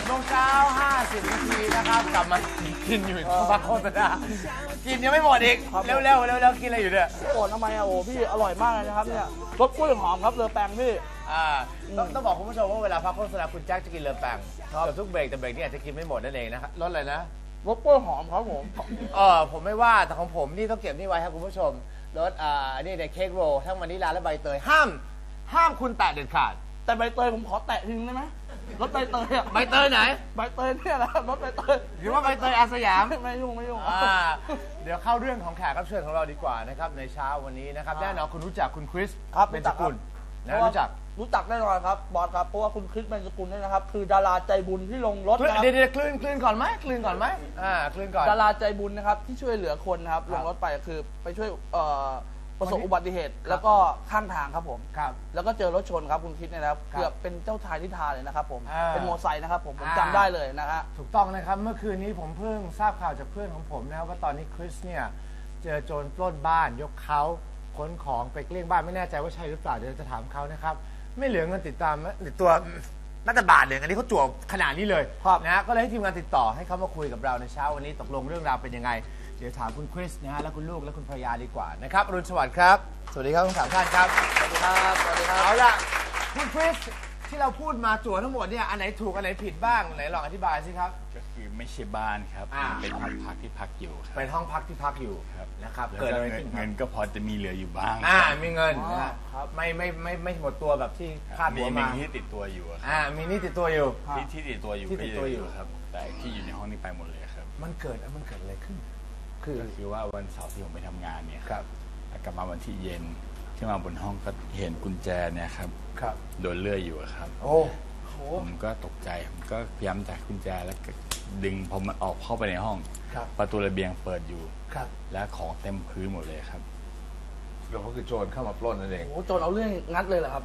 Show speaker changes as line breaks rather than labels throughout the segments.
โมงเช้า50 นาทีนะครับกลับมากินอยู่พักโฆษณากินยังไม่หมดอีกเร็วกินอะไรอยู่เนี่ย
โอ้ทำไมอะโอ้พี่อร่อยมากเลยนะครับเนี่ยรสกล้วยหอมครับเลอแปงพี่
ต้องบอกคุณผู้ชมว่าเวลาพักโฆษณาคุณแจ็คจะกินเลอแปงกับทุกเบรกแต่เบรกนี้อาจจะกินไม่หมดนั่นเองนะครับรสอะไรนะ
รสกล้วยหอมครับผม
ผมไม่ว่าแต่ของผมนี่ต้องเก็บนี่ไว้ครับคุณผู้ชมรสนี่ในเค้กโรลทั้งวานิลลาและใบเตยห้ามคุณแตะเด็ดขาด
แต่ใบเตยผมขอแตะทิ้งได้ไหมรถใบเตยอะ
ใบเตยไหน
ใบเตยเนี่ยแหละรถใบเตย
หรือว่าใบเตยอาสยาม
ไม่ยุ่ง
เดี๋ยวเข้าเรื่องของแขกรับเชิญของเราดีกว่านะครับในเช้าวันนี้นะครับแน่นอนคุณรู้จักคุณคริสเบญจกุลนะรู้
จักแน่นอนครับบอสครับเพราะว่าคุณคริสเบญจกุลเนี่ยนะครับคือดาราใจบุญที่ลงรถนะครับ
เดี๋ยวคลื่นก่อนไหมคลื่นก่อน
ดาราใจบุญนะครับที่ช่วยเหลือคนนะครับลงรถไปคือไปช่วยประสบอุบัติเหตุแล้วก็ข้างทางครับผมแล้วก็เจอรถชนครับคุณคิดนะครับเกือบเป็นเจ้าชายนิทราเลยนะครับผมเป็นโมไซค์นะครับผมจำได้เลยนะฮะ
ถูกต้องนะครับเมื่อคืนนี้ผมเพิ่งทราบข่าวจากเพื่อนของผมนะครับว่าตอนนี้คริสเนี่ยเจอโจรปล้นบ้านยกเขาขนของไปเกลี้ยงบ้านไม่แน่ใจว่าใช่หรือเปล่าเดี๋ยวจะถามเขานะครับไม่เหลือเงินติดตามตัวน่าจะบาทเลยอันนี้เขาจั่วขนาดนี้เลยนะก็เลยให้ทีมงานติดต่อให้เขามาคุยกับเราในเช้าวันนี้ตกลงเรื่องราวเป็นยังไงเดี๋ยวถามคุณคริสนะฮะและคุณลูกและคุณภรรยาดีกว่านะครับอรุณสวัสดิ์ครับสวัสดีครับทั้ง3 ท่านครับ
สวัสดีครับ
เอาล่ะคุณคริสที่เราพูดมาจั่วทั้งหมดเนี่ยอันไหนถูกอันไหนผิดบ้างไหนลองอธิบายสิครับ
ก็คือไม่ใช่บ้านครับเป็นห้องพักที่พักอยู่ครับ
เป็นห้องพักที่พักอยู่นะครับ
เกิดอะไรขึ้นเงินก็พอจะมีเหลืออยู่บ้าง
มีเงินนะครับไม่หมดตัวแบบที่คาดหัวมา
มีที่ติดตัวอยู่
มีนี่ติดตัวอยู่
ที่ติดตัวอยู่ครับแต่ที่อยู่ในห้องนี้ไปหมดเลยครับ
มันเกิดอะไรขึ้น
ก็คือว่าวันเสาร์ที่ผมไปทำงานเนี่ยครับกลับมาวันที่เย็นที่มาบนห้องก็เห็นกุญแจเนี่ยครับโดนเลื่อยอยู่ครับผมก็ตกใจผมก็พยายามจับกุญแจแล้วดึงพอมันออกเข้าไปในห้องประตูระเบียงเปิดอยู่และของเต็มพื้นหมดเลยครับ
แล้วก็คือโจรเข้ามาปล้นนั่นเอง
โจรเอาเรื่องงัดเลยเหรอครับ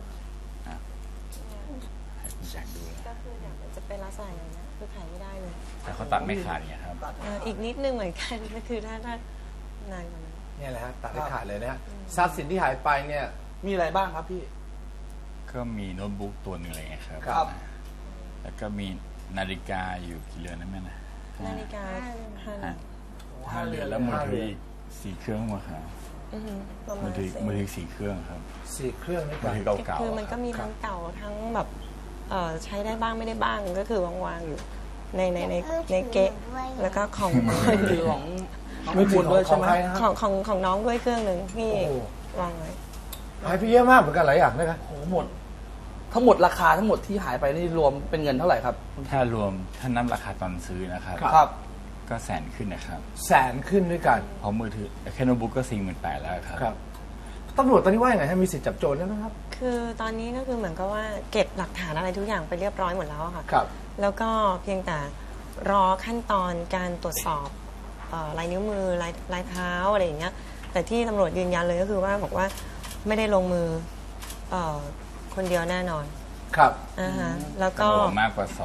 ให้คุณแจ็คดู
ก็คือเดี๋ยวจะเป็นลักษณะอย่างนี้คือขายไม่ได้เลย
แต่เขาตัดไม่ขาดเนี่ยครับ
อีกนิดนึงเหมือนกันก็คือถ้านานกว่านั้น
เนี่ยแหละฮะตัดไม่ขาดเลยนะฮะทรัพย์สินที่หายไปเนี่ย
มีอะไรบ้างครับพี่
ก็มีโน้ตบุ๊กตัวหนึ่งอะไรเงี้ยครับแล้วก็มีนาฬิกาอยู่กี่เรือนนั่นแม่นะ
นาฬิกา
5 เรือนแล้วมือถืออีก4 เครื่องมาครับมือถือ4 เครื่องครับ
4 เครื่องนี่
มือถือเก่า
คือมันก็มีทั้งเก่าทั้งแบบใช้ได้บ้างไม่ได้บ้างก็คือวางอยู่ในเกะแล้วก็ของ
มือถือด้วยใช่ไหม
ของน้องด้วยเครื่องหนึ่งที่วางไว้
หายไปเยอะมากเหมือนกันหลายอย่างนะครับ
หมดทั้งหมดราคาทั้งหมดที่หายไปนี่รวมเป็นเงินเท่าไหร่ครับ
ถ้ารวมถ้านับราคาตอนซื้อนะครับก็100,000 ขึ้นนะครับ
100,000 ขึ้นด้วยกัน
เพราะมือถือแค่โน้ตบุ๊กก็48,000แล้วครับ
ตำรวจตอนนี้ว่าอย่างไรมีสิทธิ์จับโจรได้ไหมครับ
คือตอนนี้ก็คือเหมือนกับว่าเก็บหลักฐานอะไรทุกอย่างไปเรียบร้อยหมดแล้วค่ะแล้วก็เพียงแต่รอขั้นตอนการตรวจสอบลายนิ้วมือลายเท้าอะไรอย่างเงี้ยแต่ที่ตำรวจยืนยันเลยก็คือว่าบอกว่าไม่ได้ลงมือคนเดียวแน่นอน
ครับ
แล้วก็
มากกว่า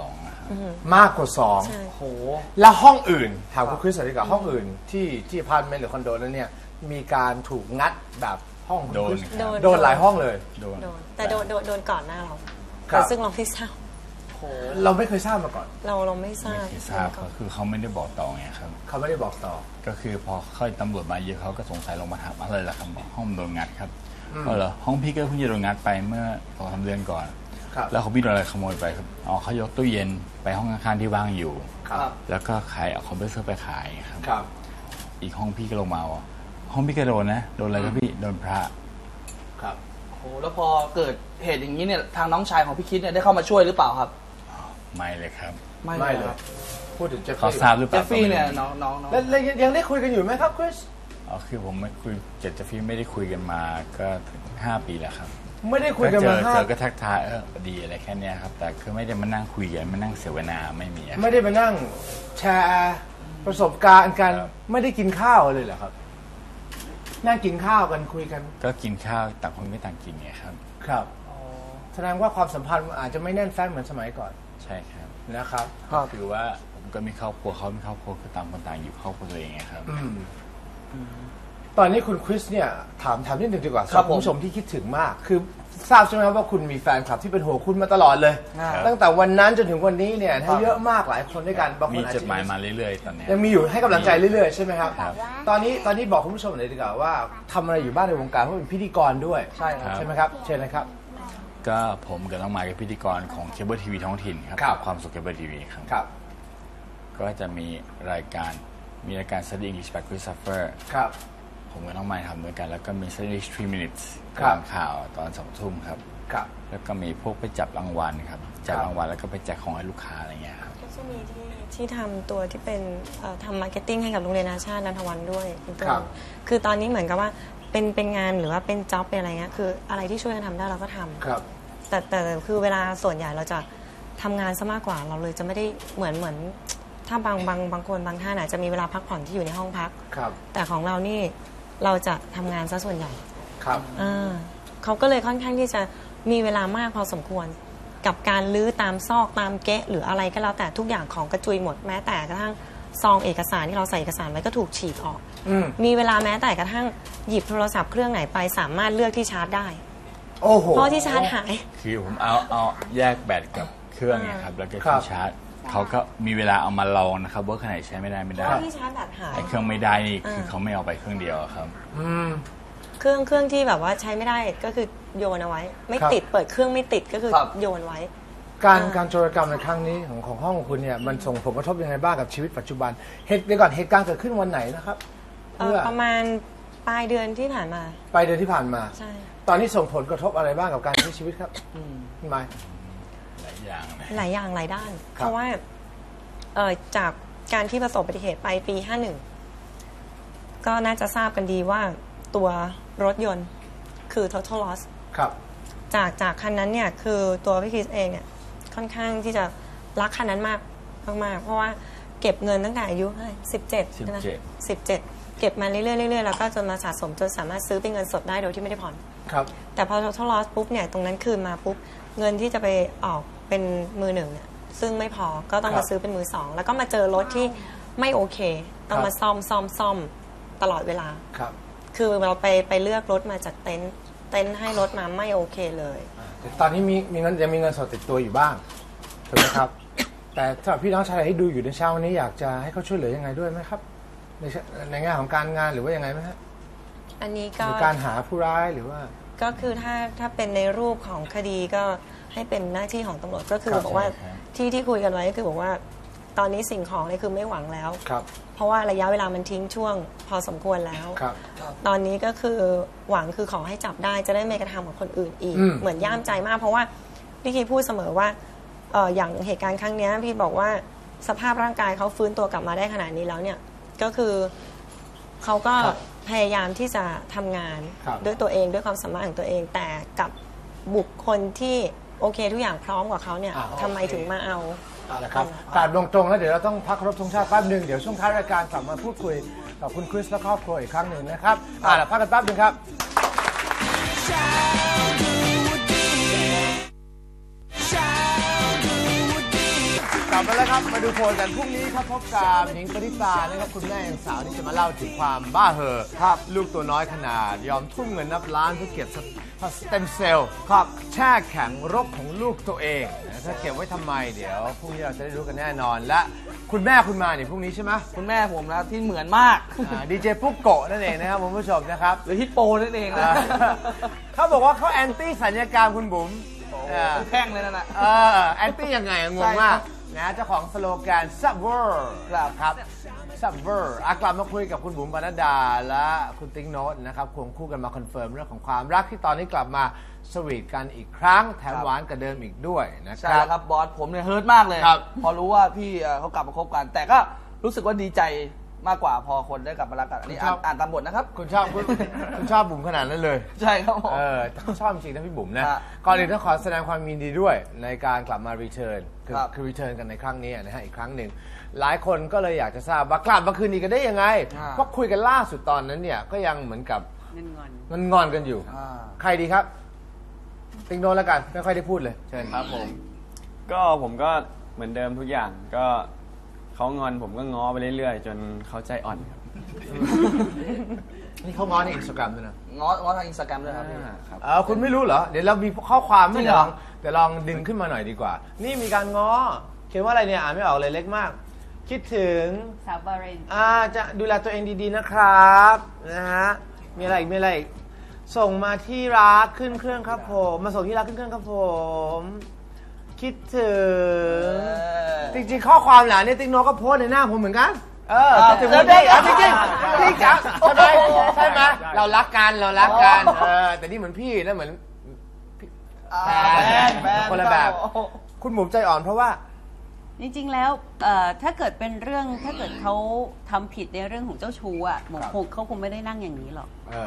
2
มากกว่า2โหแล้วห้องอื่นถามคุณคริสดีกว่าห้องอื่นที่อพาร์ตเมนต์หรือคอนโดนั้นเนี่ยมีการถูกงัดแบบห้องโดนหลายห้องเลย
แต่โดนก่อนหน้าเราซึ่งเราไม่ทราบ
เราไม่เคยทราบมาก่อน
เราไม่ทราบ
คือเขาไม่ได้บอกต่อไงครับ
เขาไม่ได้บอกต่อ
ก็คือพอค่อยตำรวจมาเยอะเขาก็สงสัยลงมาถามอะไรล่ะครับบอกห้องโดนงัดครับเหรอห้องพี่ก็เพิ่งจะโดนงัดไปเมื่อ2-3 เดือนก่อนแล้วเขาพี่โดนอะไรขโมยไปครับเขายกตู้เย็นไปห้องข้างๆที่ว่างอยู่แล้วก็ขายเอาคอมเพรสเซอร์ไปขายครับอีกห้องพี่ก็ลงมาห้องพี่ก็โดนนะโดนอะไรครับพี่โดนพระ
ครับโอ้แล้วพอเกิดเหตุอย่างนี้เนี่ยทางน้องชายของพี่คิดเนี่ยได้เข้ามาช่วยหรือเปล่าครับ
ไม่เลยครับ
ไม่เลยพูดถึงเจฟฟี่
เขาทราบหรือเปล่า
เจฟฟี่เนี่ยน้อง
แล้วยังได้คุยกันอยู่ไหมครับคริส
คือผมไม่คุยเจฟฟี่ไม่ได้คุยกันมาก็5 ปีแล้วครับ
ไม่ได้คุยกันมา
เจอก็ทักทายดีอะไรแค่นี้ครับแต่คือไม่ได้มานั่งคุยกันมานั่งเสวนาไม่มี
ไม่ได้มานั่งแชร์ประสบการณ์กันไม่ได้กินข้าวเลยเหรอครับนั่งกินข้าวกันคุยกัน
ก็กินข้าวต่างคนไม่ต่างกินไงครับ
ครับแสดงว่าความสัมพันธ์อาจจะไม่แน่นแฟ้นเหมือนสมัยก่อน
ใช่ครับ
นะครับ
คือว่าผมก็มีครอบครัวเขามีครอบครัวคือต่างคนต่างอยู่ครอบครัวตัวเองไงครับ
ตอนนี้คุณคริสเนี่ยถามนิดนึงดีกว่า
ครับ
คุณผู้ชมที่คิดถึงมาก คือทราบใช่ไหมครับว่าคุณมีแฟนคลับที่เป็นห่วงคุณมาตลอดเลย ตั้งแต่วันนั้นจนถึงวันนี้เนี่ยเยอะมากหลายคนด้วยกันบางค
มี
นอาจ
จด
จะ
หมายมาเรื่อยๆตอนเนี้ย
ยังมีอยู่ให้กำลังใจเรื่อยๆใช่ไหมครับ
ครับ
ตอนนี้บอกคุณผู้ชมหน่อยดีกว่าว่าทำอะไรอยู่บ้างในวงการเพราะเป็นพิธีกรด้วย
ใช่ครับ
ใช่ไหมครับเชิญนะครับ
ก็ผมกับน้องไมค์เป็นพิธีกรของเคเบิลทีวีท้องถิ่นครับ
ครับ
ความสุขเคเบิลทีวีครับ
ครับ
ก็จะมีรายการ Study English by Christopher
ครับ
ผมกับน้องไมค์ทำด้วยกัน แล้วก็มี Study 3 minutes
ครับ
ตามข่าวตอน2 ทุ่มครับ
ครับ
แล้วก็มีพวกไปจับรางวัลครับจับ
ครับ
รางวัลแล้วก็ไปแจกของให้ลูกค้าอะไรเงี้ยครับ
ก็จะมีที่ทำตัวที่เป็นทำมาร์เก็ตติ้งให้กับโรงเรียนนานาชาตินันทวันด้วยคุณตูน
ครับ
คือตอนนี้เหมือนกับว่าเป็นงานหรือว่าเป็นจ็อบเป็นอะไรเงี้ยคืออะไรที่ช่วยกันทำได้เราก็ทำ
ครับ
แต่คือเวลาส่วนใหญ่เราจะทำงานซะมากกว่าเราเลยจะไม่ได้เหมือนถ้าบางคนบางท่านอาจจะมีเวลาพักผ่อนที่อยู่ในห้องพัก
ครับ
แต่ของเรานี่เราจะทำงานซะส่วนใหญ่
ครับ
เขาก็เลยค่อนข้างที่จะมีเวลามากพอสมควร กับการลื้อตามซอกตามเก๊ะหรืออะไรก็แล้วแต่ทุกอย่างของกระจุยหมดแม้แต่กระทั่งซองเอกสารที่เราใส่เอกสารไว้ก็ถูกฉีกออก มีเวลาแม้แต่กระทั่งหยิบโทรศัพท์เครื่องไหนไปสามารถเลือกที่ชาร์จได้
โอ้โห
เพราะที่ชาร์จหาย
คือผมเอาแยกแบตกับเครื่องเนี่ยครับแล้วก็
ครั
ที่
บ
ชาร์จเขาก็มีเวลาเอามาลองนะครับว่าขนาดใช้ไม่ได้
เพราะที่ชาร์จแบตหาย
ไอ้เครื่องไม่ได้นี่คือเขาไม่เอาไปเครื่องเดียวอะครับ
เครื่องที่แบบว่าใช้ไม่ได้ก็คือโยนเอาไว้ ไม่
ครับ
ติดเปิดเครื่องไม่ติดก็คือ
ครับ
โยนไว้
การโจรกรรมในครั้งนี้ของห้องของคุณเนี่ยมันส่งผลกระทบยังไงบ้างกับชีวิตปัจจุบันเดี๋ยวก่อนเหตุการณ์เกิดขึ้นวันไหนนะครับเพื่อ
ประมาณปลายเดือนที่ผ่านมา
ปลายเดือนที่ผ่านมา
ใช่
ตอนนี้ส่งผลกระทบอะไรบ้างกับการใช้ชีวิตครับพี่ไม้
หลายอย่างนะ
หลายอย่างหลายด้าน
ครับ
เพราะว่าจากการที่ประสบอุบัติเหตุไปปี 51 ก็น่าจะทราบกันดีว่าตัวรถยนต์คือ total loss
ครับ
จากคันนั้นเนี่ยคือตัวพี่คริสเองเนี่ยค่อนข้างที่จะรักคันนั้นมากเพราะว่าเก็บเงินตั้งแต่อายุ17ใช่ไหม17 เก็บมาเรื่อยๆแล้วก็จนมาสะสมจนสามารถซื้อเป็นเงินสดได้โดยที่ไม่ได้ผ่อน
ครับ
แต่พอ total loss ปุ๊บเนี่ยตรงนั้นคืนมาปุ๊บเงินที่จะไปออกเป็นมือหนึ่งเนี่ยซึ่งไม่พอก็ต้องมาซื้อเป็นมือสองแล้วก็มาเจอรถที่ไม่โอเค ต้องมาซ่อมตลอดเวลา
ครับ
คือเราไปเลือกรถมาจากเต็นท์ให้รถมาไม่โอเคเลย
แต่ตอนนี้มีเงินยังมีเงินสดติดตัวอยู่บ้างถูกไหมครับ แต่สำหรับพี่น้องชาวไทยที่ดูอยู่ในเช้าวันนี้อยากจะให้เขาช่วยเหลือยังไงด้วยไหมครับในแง่ของการงานหรือว่ายังไงไหมฮะ
อันนี้
ห
ก็
รือการหาผู้ร้ายหรือว่า
ก็คือถ้าเป็นในรูปของคดีก็ให้เป็นหน้าที่ของตำรวจก็คือ
ครับ
บอกว่า
ใช่ครับ
ที่คุยกันไว้ก็คือบอกว่าตอนนี้สิ่งของเนี่ยคือไม่หวังแล้ว
ครับ
เพราะว่าระยะเวลามันทิ้งช่วงพอสมควรแล้ว
ครับ
ตอนนี้ก็คือหวังคือขอให้จับได้จะได้ไม่กระทำกับคนอื่นอีก
อืม
เหมือนย่ามใจมาก เพราะว่าพี่คีพูดเสมอว่าอย่างเหตุการณ์ครั้งเนี้ยพี่บอกว่าสภาพร่างกายเขาฟื้นตัวกลับมาได้ขนาดนี้แล้วเนี่ยก็คือเขาก็
ครับ
พยายามที่จะทำงาน
ครับ
ด้วยตัวเองด้วยความสามารถของตัวเอง แต่กับบุคคลที่โอเคทุกอย่างพร้อมกว่าเขาเนี่ยทำไมถึงมาเอา
เอาละครับการตรงๆแล้วเดี๋ยวเราต้องพักเคารพธงชาติแป๊บหนึ่งเดี๋ยวช่วงท้ายรายการกลับมาพูดคุยกับคุณคริสและครอบครัวอีกครั้งหนึ่งนะครับละพักกันแป๊บหนึ่งครับ กลับมาแล้วครับมาดูโพลกันพรุ่งนี้ครับพบกับหนิงปณิตานะครับคุณแม่ยังสาวที่จะมาเล่าถึงความบ้าเหอครับลูกตัวน้อยขนาดยอมทุ่มเงินนับล้านเพื่อเก็บสเต็มเซลล์ครับแช่แข็งรกของลูกตัวเองถ้าเก็บไว้ทำไมเดี๋ยวพรุ่งนี้เราจะได้รู้กันแน่นอนและคุณแม่คุณมาเนี่ยพรุ่งนี้ใช่ไหม
คุณแม่ผมนะที่เหมือนมาก
ดีเจปุ๊กโกะนั่นเองนะครับคุณผู้ชมนะครับ
หรือฮิปโปนั่นเองนะ
เขาบอกว่าเขาแอนตี้สัญญกรรมคุณบุ๋ม
เป็นแท่งเลยนั่นน่ะ
แอนตี้ยังไงงงมากนะเจ้าของสโลแกน Subver ครับ Subver กลับมาคุยกับคุณบุ๋มปนัดดาและคุณติ๊งโน้ตนะครับควงคู่กันมาคอนเฟิร์มเรื่องของความรักที่ตอนนี้กลับมาสวีทกันอีกครั้งแถมหวานกว่าเดิมอีกด้วยนะค
ใช่
รับ
แล้วครับบอสผมเนี่ยเฮิร์ตมากเลย
ครับ
พอรู้ว่าพี่เขากลับมาคบกัน แต่ก็รู้สึกว่าดีใจมากกว่าพอคนได้กลับมารักกันอันนี้อ่านตามบทนะครับ
คุณชอบบุ๋มขนาดนั้นเลย
ใช่ครับผม
แต่เขาชอบจริงๆนะพี่บุ๋มนะ
ฮะ
ก่อนอื่นต้องขอแสดงความยินดีด้วยในการกลับมารีเทิร์น
ครับ
คือรีเทิร์นกันในครั้งนี้นะฮะอีกครั้งหนึ่งหลายคนก็เลยอยากจะทราบว่ากลับมาคืนดีกันได้ยังไงเพราะคุยกันล่าสุดตอนนั้นเนี่ยก็ยังเหมือนกับงอนกันอยู่ ใครดีครับ ติงโดนแล้วกันไม่ค่อยได้พูดเลยเชิญ
ครับผมก็เหมือนเดิมทุกอย่างก็เขางอนผมก็ง้อไปเรื่อยๆ จนเขาใจอ่อนครับ
นี่เขาง้อในอินสตาแกรมด้วยนะ
ง้อทางอินสตาแกรมด้วยครับพี่
ครับ
คุณไม่รู้เหรอเดี๋ยวเรามีข้อความ
จริ
ไม่
งเหรอ
เดี๋ยวลองดึงขึ้นมาหน่อยดีกว่า นี่มีการง้อเขียนว่าอะไรเนี่ยอ่านไม่ออกเลยเล็กมาก คิดถึง
สาวบาเรน
จะดูแลตัวเองดีๆนะครับนะฮะมีอะไรอีกมีอะไรอีกส่งมาที่รักขึ้นเครื่องครับผมมาส่งที่รักขึ้นเครื่องครับผมคิดถึงจริงๆข้อความหลานเนี่ยติ๊กโนก็โพสในหน้าผมเหมือนกันคิดถึงวันนี้จริงๆจริงจังใช่ไหมเรารักกันแต่นี่เหมือนพี่แล้วเหมือนแฟนคนละแบบคุณหมุมใจอ่อนเพราะว่า
จริงๆแล้วถ้าเกิดเป็นเรื่องถ้าเกิดเขาทำผิดในเรื่องของเจ้าชู้อ่ะเขาคงไม่ได้นั่งอย่างนี้หรอก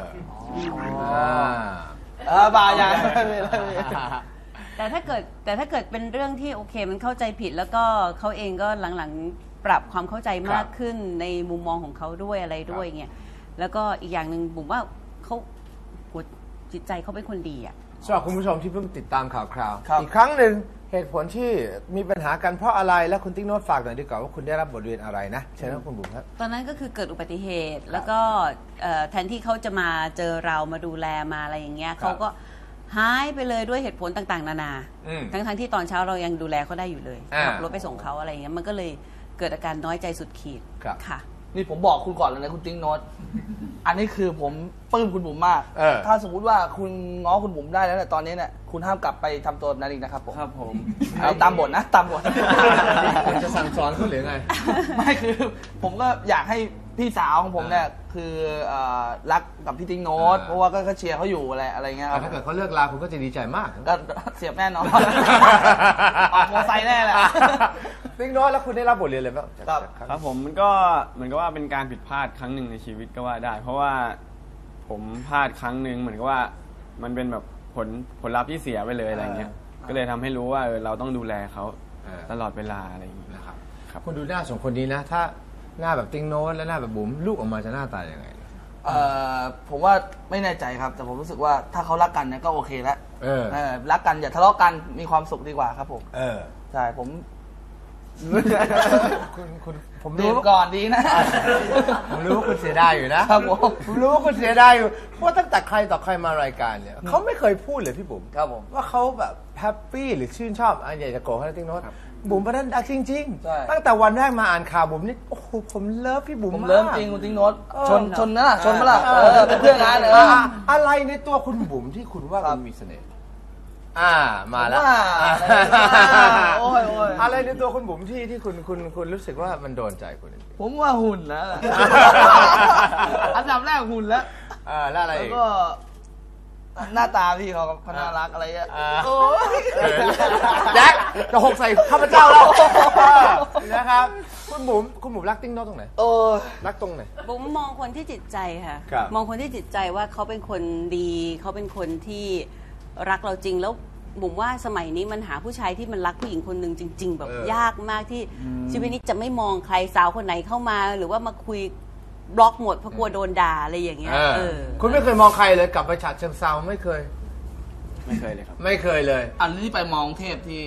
บาอย่าง
แต่ถ้าเกิดเป็นเรื่องที่โอเคมันเข้าใจผิดแล้วก็เขาเองก็หลังๆปรับความเข้าใจมากขึ้นในมุมมองของเขาด้วยอะไรด้วยเงี้ยแล้วก็อีกอย่างหนึ่งผมว่าเขาจิตใจเขาเป็นคนดีอ่ะ
สำหรับคุณผู้ชมที่เพิ่งติดตามข่าวคราวอีกครั้งหนึ่งเหตุผลที่มีปัญหากันเพราะอะไรและคุณติ๊กโน้ตฝากหน่อยดีกว่าว่าคุณได้รับบทเรียนอะไรนะเชิญครับคุณบุ๋มครับ
ตอนนั้นก็คือเกิดอุบัติเหตุแล้วก็แทนที่เขาจะมาเจอเรามาดูแลมาอะไรอย่างเงี้ยเขาก็หายไปเลยด้วยเหตุผลต่างๆนานาทั้งที่ตอนเช้าเรายังดูแลเขาได้อยู่เลยขับรถไปส่งเขาอะไรอย่างเงี้ยมันก็เลยเกิดอาการน้อยใจสุดขีดค่ะ
นี่ผมบอกคุณก่อนเลยนะคุณติ๊กโน้ตอันนี้คือผมปลื้มคุณบุ๋มมากถ้าสมมุติว่าคุณง้อคุณบุ๋มได้แล้วแต่ตอนนี้เนี่ยคุณห้ามกลับไปทำตัวนั้นอีกนะครับผม
ครับผม
ตามบทนะตามบท
คุณจะสั่งสอนเขาหรือไง
ไม่คือผมก็อยากให้พี่สาวของผมเนี่ยคือรักกับพี่ติ๊กโน้ตเพราะว่าก็เชียร์เขาอยู่อะไรเงี้ยครับ
ถ้าเกิดเขาเลิกลาคุณก็จะดีใจมาก
ก็เสียบแน่นอนออกมอไซค์แน่แหละ
ติ๊กโน้ตแล้วคุณได้รับบทเรียนอะไรบ้าง
ครับผมมันก็เหมือนกับว่าเป็นการผิดพลาดครั้งหนึ่งในชีวิตก็ว่าได้เพราะว่าผมพลาดครั้งหนึ่งเหมือนกับว่ามันเป็นแบบผลลัพธ์ที่เสียไปเลยอะไรเงี้ยก็เลยทำให้รู้ว่าเราต้องดูแลเขาตลอดเวลาอะไรอย่างนี้
นะครับคุณดูหน้าสองคนนี้นะถ้าหน้าแบบติ๊กโน้ตและหน้าแบบบุ๋มลูกออกมาจะหน้าตาอย่างไร
ผมว่าไม่แน่ใจครับแต่ผมรู้สึกว่าถ้าเขารักกันเนี่ยก็โอเคแล้วรักกันอย่าทะเลาะกันมีความสุขดีกว่าครับผมใช่ผม
ผม
รู้ก่อนดีนะ
ผมรู้ว่าคุณเสียดายอยู่นะครับผมรู้ว่าคุณเสียดายอยู่เพราะตั้งแต่ใครต่อใครมารายการเนี่ยเขาไม่เคยพูดเลยพี่บุ๋ม
ครับผม
ว่าเขาแบบแฮปปี้หรือชื่นชอบอยากจะโกรธให้ติ๊กโน้ตบุ๋มประเด็นดักจริงๆตั้งแต่วันแรกมาอ่านข่าวบุ๋มนี่โอ้โหผมเลิฟพี่บุ๋มมากผม
เลิฟจริงคุณติ๊กโน้ตชนนะชนมาละเป็นเพื่อนกันเลย
อะไรในตัวคุณบุ๋มที่คุณว่ามันมีเสน่ห์มาแล้วอะไรในตัวคุณบุ๋มที่คุณรู้สึกว่ามันโดนใจคุณ
ผมว่าหุ่นนะอันดับแรกหุ่นแล้ว
แล้วอะไร
ก็หน้าตาพี่เขาน่ารักอะไรอ่ะ
แจ็คจะหกใส่ข้าพเจ้าแล้วนะครับคุณบุ๋มรักติ๊กโน้ตตรงไหนรักตรงไหน
บุ๋มมองคนที่จิตใจค่ะมองคนที่จิตใจว่าเขาเป็นคนดีเขาเป็นคนที่รักเราจริงแล้วบุ๋มว่าสมัยนี้มันหาผู้ชายที่มันรักผู้หญิงคนหนึ่งจริงๆแบบยากมากที่ชีวิตนี้จะไม่มองใครสาวคนไหนเข้ามาหรือว่ามาคุยบล็อกหมดเพราะกลัวโดนด่าอะไรอย่างเงี้ย
คุณไม่เคยมองใครเลยกลับไปฉะเชิงเซาไม่เคย
เลยครับ
ไม่เคยเลย
อันนี้ไปมองเทพที่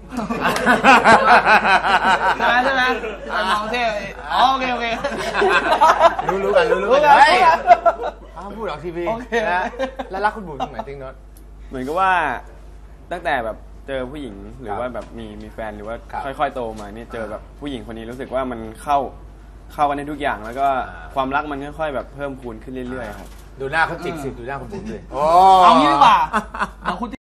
ใช่ไหมไปมองเทพโอเค
รู้กันเฮ้ยพูดออกทีวีนะแล้วรักคุณบุ๋มตรงไหนติ๊กโน้ต
เหมือนกับว่าตั้งแต่แบบเจอผู้หญิงหรือว่าแบบมีแฟนหรือว่าค่อยๆโตมาเนี่ยเจอแบบผู้หญิงคนนี้รู้สึกว่ามันเข้ากันในทุกอย่างแล้วก็ความรักมันค่อยๆแบบเพิ่มพูนขึ้นเรื่อยๆครับ
ดูหน้าเขาจิกสิดูหน้าคุณบุ๋มเลย
เอางี้ดีกว่าคุณ